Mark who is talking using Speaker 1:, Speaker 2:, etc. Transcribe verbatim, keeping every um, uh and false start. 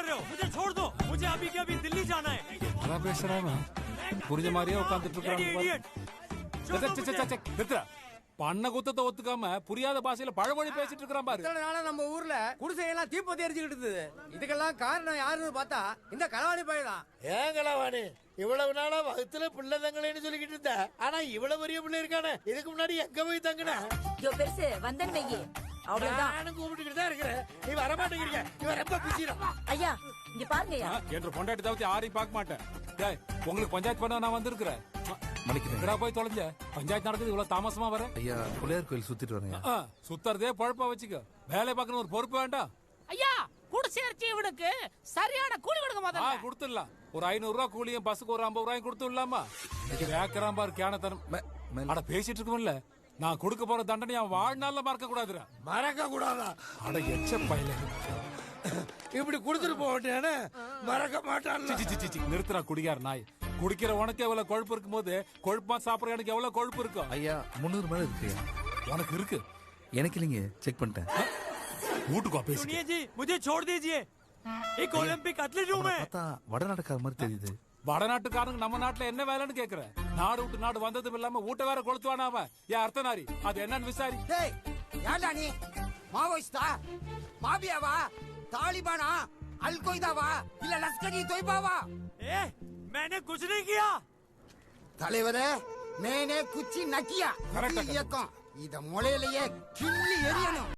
Speaker 1: रहे हो? मुझे छोड़ दो, मुझे अभी के अभी दिल्ली जाना है।
Speaker 2: அதான் பேசுறானா புரிஞ்ச மாதிரியே உட்காந்துட்டு இருக்காங்க. பண்ண குத்தத்தை ஒத்துக்காம புரியாத பாஷையில பழமொழி பேசிட்டு இருக்கிறான் பாரு.
Speaker 3: இத்தனை நாளா நம்ம ஊர்ல குடிசையெல்லாம் தீப்பத்தி எரிஞ்சுக்கிட்டு இருந்தது. இதுக்கெல்லாம் காரணம் யாருன்னு பார்த்தா இந்த களவாணி பையதான்.
Speaker 4: ஏன் களவாணி? இவ்வளவு நாளா வகுத்துல பிள்ளை தங்களேன்னு சொல்லிக்கிட்டு இருந்த, ஆனா இவ்வளவு பெரிய பிள்ளை இருக்கானே, இதுக்கு முன்னாடி எங்க போய் தங்கின?
Speaker 5: பெருசு வந்தன் வையே அவ்வளவுதான்.
Speaker 4: நானும் கூப்பிட்டுக்கிட்டு தான் இருக்கிறேன், நீ வர மாட்டேங்கிறீங்க. இவன் ரொம்ப பிசிறான்.
Speaker 5: ஐயா இங்க பாருங்கய்யா.
Speaker 2: என்ற பொண்டாட்டி தவிர்த்து யாரையும் பார்க்க மாட்டேன். டேய், உங்களுக்கு பஞ்சாயத்து பண்ண நான் வந்திருக்கிறேன்.
Speaker 6: மணிக்கிறேன்
Speaker 2: போய் தொலைஞ்ச பஞ்சாயத்து நடக்குது இவ்வளவு தாமசமா வர.
Speaker 6: ஐயா பிள்ளையார் கோயில் சுத்திட்டு வரேன்.
Speaker 2: சுத்தறதே பழப்பா வச்சுக்க, வேலை பார்க்கணும் ஒரு பொறுப்பு வேண்டாம்.
Speaker 7: ஐயா குடிசேர்ச்சி இவனுக்கு சரியான கூலி கொடுக்க
Speaker 2: முதல்ல. கொடுத்துடலாம், ஒரு ஐநூறு ரூபாய் கூலியும் பஸ்ஸுக்கு ஒரு ஐம்பது ரூபாயும் கொடுத்துடலாமா? கேக்குறான் பாரு கேனத்தனம். அட பேசிட்டு இருக்கும்ல, நான் கொடுக்க போற தண்டனை அவன் வாழ்நாள்ல மறக்க கூடாதுரா.
Speaker 4: மறக்க கூடாதா?
Speaker 2: அட எச்ச பையல,
Speaker 4: இப்படி கொடுத்துட்டு போட்டேன்னு மறக்க மாட்டான்.
Speaker 2: நிறுத்துறா குடிகார நாய். குடிக்கிற உனக்கு எவ்வளவு கொழுப்பு இருக்கும் போது கொழுப்பா சாப்பிடுற எனக்கு எவ்வளவு கொழுப்பு இருக்கும்?
Speaker 6: ஐயா முன்னூறு மேல இருக்கு.
Speaker 2: உனக்கு இருக்கு,
Speaker 6: எனக்கு இல்லைங்க, செக் பண்ணிட்டேன்.
Speaker 2: வீட்டுக்கு பேசி.
Speaker 1: सुनिए जी, मुझे छोड़ दीजिए. एक ओलंपिक एथलीट हूं मैं.
Speaker 6: பார்த்தா வடநாட்டுக்கார மாதிரி தெரியுது.
Speaker 2: வடநாட்டுக்காரங்க நம்ம நாட்டுல என்ன வேலைன்னு கேக்குற? நாடு விட்டு நாடு வந்ததும் இல்லாம வீட்டை வேற கொளுத்துவானா அவன்? ஏன் அர்த்தநாரி அது என்னன்னு விசாரி.
Speaker 3: டேய் யாரா நீ? மாவோயிஸ்டா, மாபியாவா, தாலிபானா, அல் கொய்தாவா, இல்ல லஷ்கர் இ தொய்பாவா?
Speaker 1: ए, मैंने कुछ नहीं किया.
Speaker 3: தலைவரே, மேனே குச்சி நக்கியா.
Speaker 2: கரெக்டா
Speaker 3: இயக்கம் இத முளையிலேயே கிள்ளி எரியணும்.